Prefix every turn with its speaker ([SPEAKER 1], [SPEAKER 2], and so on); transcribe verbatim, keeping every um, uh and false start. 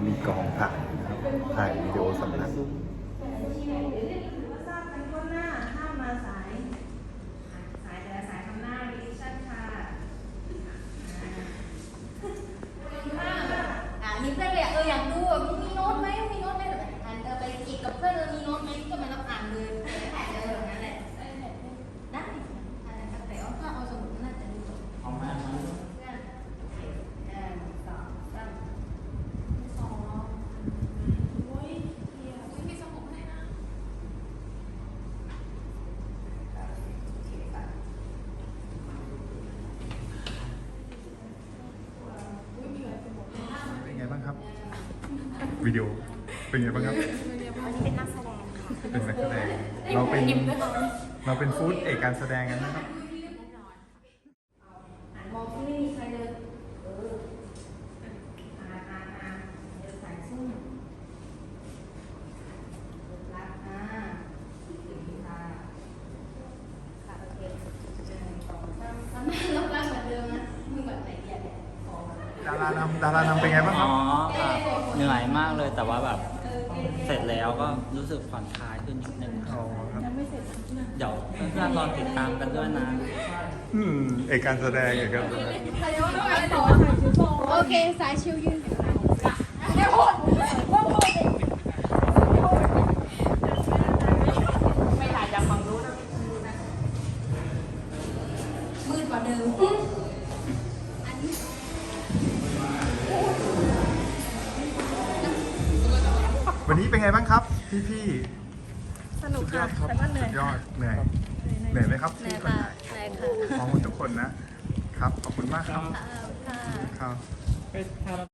[SPEAKER 1] มีกองถ่ายนะครับถ่ายวิดีโอสำนัก
[SPEAKER 2] มีเพื่อนเลยเอออยากดูอ่ะมึงมีโน้ตไหมมีโน้ตไหมอ่านเออไปอีกกับเพื่อนเออมีโน้ตไหมก็มาต้องอ่านเลยถ่ายเลยแบบนั้นแหละได้อะไรครับแต่ว่าถ้าเอาสมุดน่าจะดูจบเอามาเพื่อนเอ่อสองสามสองโอ้ยเฮียอุ้ยมีสมุดให้นะ
[SPEAKER 1] เป็นไงบ้างครับวิดีโอเป็นไงบ้างครับ
[SPEAKER 3] วันนี้เป็นนักแสดงค่ะ
[SPEAKER 1] เป็นนักแสดงเราเป็นเราเป็นฟู้ดเอกการแสดงกันนะครับ
[SPEAKER 2] อ่านมองที่ไม่มีใครเลยเอออ่านอ่านอ่านเดี๋ยวสายซุ่มรักอ่าถึงค่ะค่ะโอเคหนึ่งสองสามสามลบล้างเหมือนเดิมนะมึงแบบไหนเดียเนี่ยขอ
[SPEAKER 1] ดารานำดารานำเป็นไงบ้างค
[SPEAKER 4] อ๋
[SPEAKER 1] รั
[SPEAKER 4] อบ ค่ะเหนื่อยมากเลยแต่ว่าแบบเสร็จแล้วก็รู้สึกผ่อนคลายขึ้นนิดนึงค
[SPEAKER 1] อ๋
[SPEAKER 4] รั
[SPEAKER 1] อบ ครับ
[SPEAKER 4] เดี๋ยวเพื่อนๆรอติดตามกันด้วยนะ
[SPEAKER 1] อืมเอกการแสดงเอกการแสดง
[SPEAKER 3] โอเค สายชิวยืน
[SPEAKER 2] มืดกว่าเดิม
[SPEAKER 1] วันนี้เป็นไงบ้างครับ พี่พี่
[SPEAKER 3] สนุกค่ะ
[SPEAKER 1] ครับ
[SPEAKER 3] แต่ก็เหนื่อย
[SPEAKER 1] สุดยอดเหนื่อยเหนื่อยไหมครับ
[SPEAKER 3] เหนื่อย
[SPEAKER 1] ที่คน
[SPEAKER 3] ค่ะ
[SPEAKER 1] ถ่าย
[SPEAKER 3] เหนื่อยค่ะ
[SPEAKER 1] ขอบคุณทุกคนนะครับขอบคุณมากครับ
[SPEAKER 3] ค่ะ
[SPEAKER 1] ครับ